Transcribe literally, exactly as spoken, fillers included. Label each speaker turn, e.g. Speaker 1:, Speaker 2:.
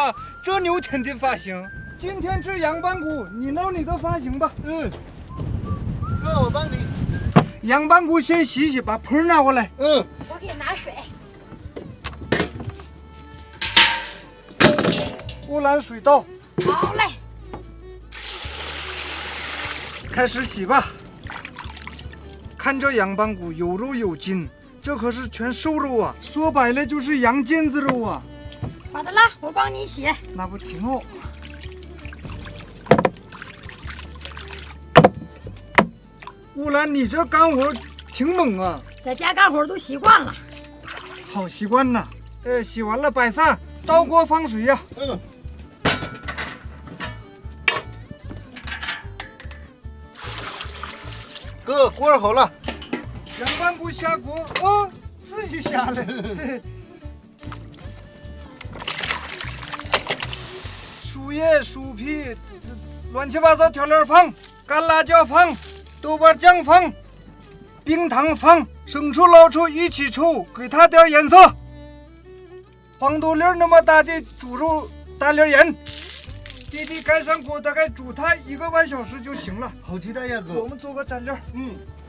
Speaker 1: 哈，这牛天的发型。今天吃羊板骨，你弄你的发型吧。
Speaker 2: 嗯，哥，我帮你。
Speaker 1: 羊板骨先洗洗，把盆拿过来。
Speaker 2: 嗯，
Speaker 3: 我给你拿水。
Speaker 1: 乌兰水倒。
Speaker 3: 好嘞。
Speaker 1: 开始洗吧。看这羊板骨有肉有筋，这可是全瘦肉啊！说白了就是羊腱子肉啊。
Speaker 3: 好的了，我帮你洗。
Speaker 1: 那不挺好？乌兰，你这干活挺猛啊！
Speaker 3: 在家干活都习惯了。
Speaker 1: 好习惯呐。呃，洗完了摆散，倒锅放水呀、啊。
Speaker 2: 嗯。哥，锅儿好了。
Speaker 1: 羊板骨下锅，哦，自己下来。树叶、树皮，乱七八糟调料放，干辣椒放，豆瓣酱放，冰糖放，生抽、老抽一起抽，给它点颜色。黄豆粒那么大的猪肉，大粒盐。弟弟盖上锅，大概煮它一个半小时就行了。
Speaker 2: 好期待呀，哥。
Speaker 1: 我们做个蘸料。
Speaker 2: 嗯。